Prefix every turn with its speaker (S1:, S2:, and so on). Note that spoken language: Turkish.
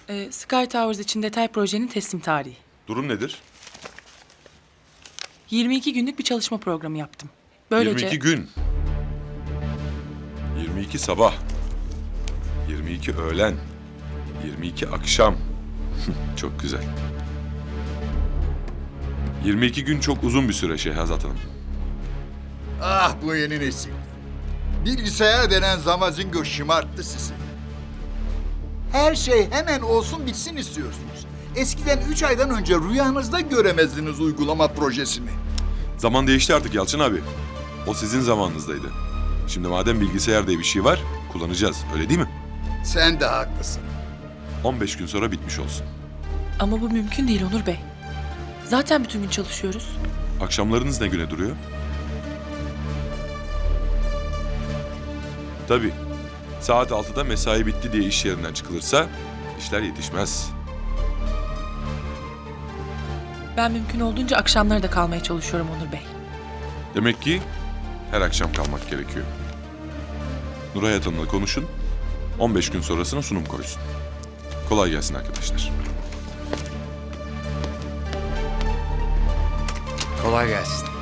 S1: Sky Towers için detay projenin teslim tarihi.
S2: Durum nedir?
S1: 22 günlük bir çalışma programı yaptım. Böylece
S2: 22 gün. 22 sabah. 22 öğlen. 22 akşam. Çok güzel. 22 gün çok uzun bir süre Şehrazat Hanım.
S3: Ah bu yeni nesil. Bilgisayar denen zamazingo şımarttı sizi. Her şey hemen olsun bitsin istiyorsunuz. Eskiden 3 aydan önce rüyanızda göremezdiniz uygulama projesini.
S2: Zaman değişti artık Yalçın abi. O sizin zamanınızdaydı. Şimdi madem bilgisayar diye bir şey var, kullanacağız. Öyle değil mi?
S3: Sen de haklısın.
S2: 15 gün sonra bitmiş olsun.
S1: ama bu mümkün değil Onur Bey. Zaten bütün gün çalışıyoruz.
S2: Akşamlarınız ne güne duruyor? Tabii. Saat 6'da mesai bitti diye iş yerinden çıkılırsa işler yetişmez.
S1: Ben mümkün olduğunca akşamları da kalmaya çalışıyorum Onur Bey.
S2: Demek ki her akşam kalmak gerekiyor. Nuray Hanım'la konuşun. 15 gün sonrasına sunum koysun. Kolay gelsin arkadaşlar.
S4: Kolay gelsin.